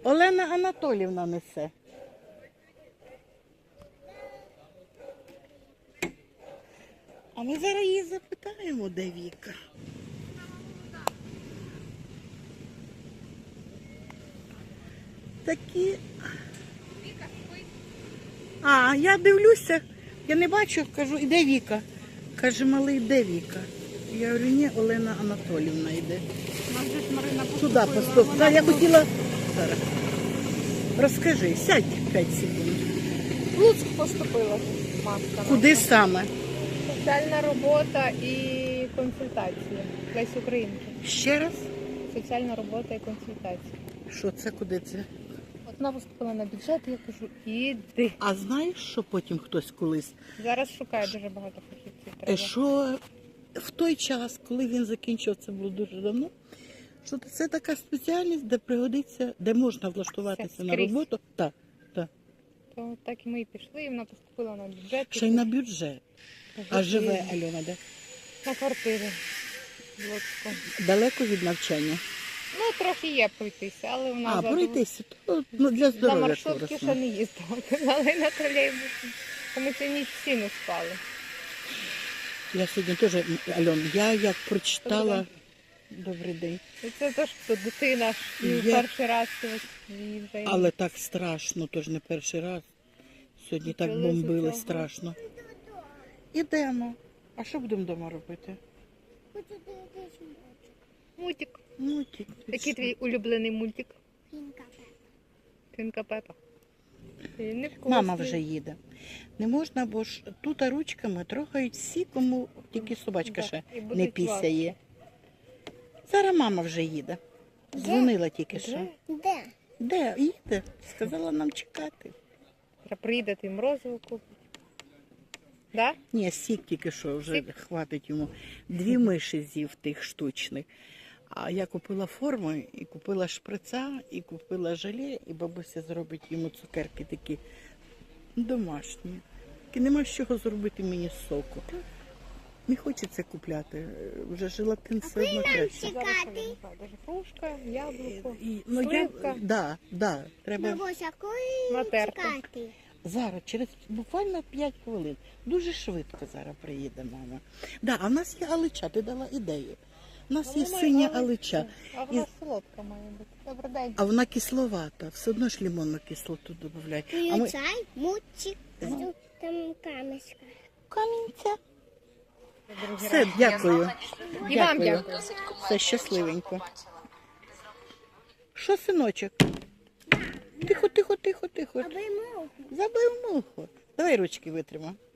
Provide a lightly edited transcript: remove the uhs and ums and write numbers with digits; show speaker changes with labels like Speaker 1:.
Speaker 1: Олена Анатолівна несе. А ми зараз її запитаємо, де Віка. Такі... А, я дивлюся, я не бачу, кажу, іде Віка. Каже, малий, де Віка? Я говорю, ні, Олена Анатолівна йде. Туди поступ. Так, я хотіла... Зараз. Розкажи, сядь 5 секунд.
Speaker 2: В Луцьк поступила Машка.
Speaker 1: Куди саме?
Speaker 2: Соціальна робота і консультації. Лесі Українки.
Speaker 1: Ще раз?
Speaker 2: Соціальна робота і консультації.
Speaker 1: Що це, куди це?
Speaker 2: От вона поступила на бюджет, і я кажу, іди.
Speaker 1: А знаєш, що потім хтось колись?
Speaker 2: Зараз шукає дуже багато фахівців. Треба.
Speaker 1: Що в той час, коли він закінчив, це було дуже давно, що це така спеціальність, де пригодиться, де можна влаштуватися на
Speaker 2: скрізь.
Speaker 1: роботу. Так, так.
Speaker 2: То так і ми і пішли, і вона поступила на бюджет.
Speaker 1: Ще й на бюджет. А живе Альона де?
Speaker 2: На квартирі в Луцьку.
Speaker 1: Далеко від навчання?
Speaker 2: Ну, трохи є пройтися, але вона
Speaker 1: А,
Speaker 2: за-
Speaker 1: пройтися. То, ну, для
Speaker 2: за
Speaker 1: здоров'я
Speaker 2: маршрутки
Speaker 1: корисно.
Speaker 2: ще не їздила, казали на тролейбусі. Тому що ніч всі не спали.
Speaker 1: Я сьогодні теж, Альон, я як прочитала... Добрий день.
Speaker 2: І це теж хто дитина ж і
Speaker 1: Я-
Speaker 2: перший раз і вже
Speaker 1: Але так страшно, тож не перший раз. Сьогодні так
Speaker 2: Почалося
Speaker 1: бомбили
Speaker 2: цього.
Speaker 1: страшно. Ідемо. А що будемо вдома робити?
Speaker 2: мультик.
Speaker 1: Мультик.
Speaker 2: Який твій улюблений мультик?
Speaker 3: Пінка.
Speaker 2: Свинка Пепа. Невкусний.
Speaker 1: Мама вже їде. Не можна, бо ж тут ручками трогають всі, кому тільки собачка
Speaker 2: Да,
Speaker 1: ще
Speaker 2: і будуть
Speaker 1: не пісяє. Зараз мама вже їде. Дзвонила тільки що.
Speaker 3: Де?
Speaker 1: Де? Їде. Сказала нам чекати.
Speaker 2: Треба приїдати і морозиво купити. Да?
Speaker 1: Ні, сік тільки що вже
Speaker 2: Сік?
Speaker 1: хватить йому. 2 миші з'їв тих штучних. А я купила форму, і купила шприца, і купила желе, і бабуся зробить йому цукерки такі домашні. І нема з чого зробити мені з соку. Не хочеться купляти. Вже желатин все одно краще.
Speaker 2: Зараз я не знаю, даже грушка, яблуко.
Speaker 1: Ну,
Speaker 2: Сливка.
Speaker 1: да, треба
Speaker 3: Бабуся, коли
Speaker 2: Натерти.
Speaker 3: чекати?
Speaker 1: зараз, через буквально 5 хвилин. Дуже швидко зараз приїде мама. Да, а в нас є алича, ти дала ідею. У нас є
Speaker 2: Вона
Speaker 1: синя
Speaker 2: алича.
Speaker 1: алича.
Speaker 2: А вона солодка має бути. Добрий день.
Speaker 1: А вона кисловата, все одно ж лимонну кислоту додають. А ми
Speaker 3: Включай мультик. Там камешка.
Speaker 1: камінця.
Speaker 2: Другий
Speaker 1: Все,
Speaker 2: раз.
Speaker 1: дякую.
Speaker 2: І вам дякую.
Speaker 1: Все щасливенько. Що, синочок? Тихо, тихо, тихо, тихо.
Speaker 3: Аби мов.
Speaker 1: Забив муху. Давай ручки витримай.